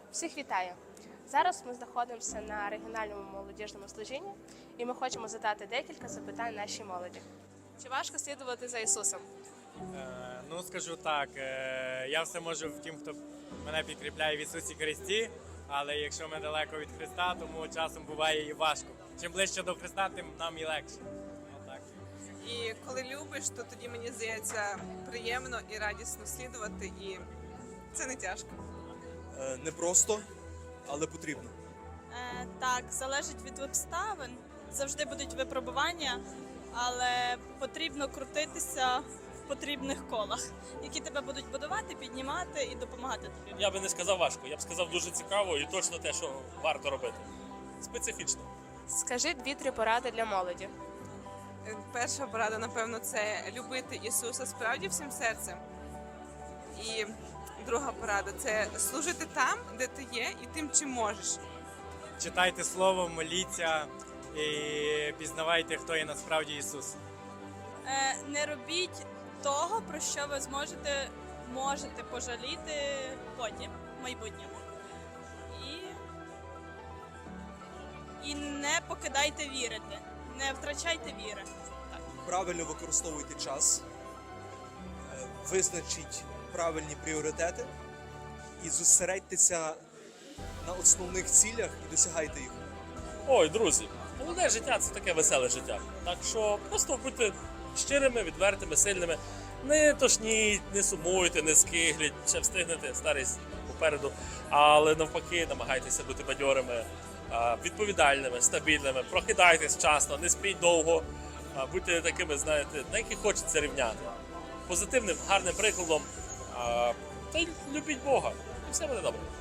Всіх вітаю! Зараз ми знаходимося на регіональному молодіжному служінні і ми хочемо задати декілька запитань нашій молоді. Чи важко слідувати за Ісусом? Скажу так, я все можу в тім, хто мене підкріпляє в Ісусі Христі, але якщо ми далеко від Христа, тому часом буває і важко. Чим ближче до Христа, тим нам і легше. Отак. І коли любиш, то тоді, мені здається, приємно і радісно слідувати, і це не тяжко. Не просто, але потрібно. Так, залежить від обставин. Завжди будуть випробування, але потрібно крутитися в потрібних колах, які тебе будуть будувати, піднімати і допомагати тобі. Я би не сказав важко, я б сказав дуже цікаво і точно те, що варто робити. Специфічно. Скажи 2-3 поради для молоді. Перша порада, напевно, це любити Ісуса справді всім серцем. І друга порада – це служити там, де ти є, і тим, чим можеш. Читайте Слово, моліться і пізнавайте, хто є насправді Ісус. Не робіть того, про що ви можете пожаліти потім, в майбутньому. І не покидайте вірити, не втрачайте віри. Правильно використовуйте час, визначіть правильні пріоритети і зосередьтеся на основних цілях і досягайте їх. Ой, друзі, молоде життя – це таке веселе життя. Так що просто будьте щирими, відвертими, сильними. Не тошніть, не сумуйте, не скигліть, ще встигнете, старість попереду. Але навпаки, намагайтеся бути бадьорими, відповідальними, стабільними. Прокидайтесь вчасно, не спіть довго. Будьте такими, знаєте, на яких хочеться рівняти. Позитивним, гарним прикладом. Та й любіть Бога. І все буде добре.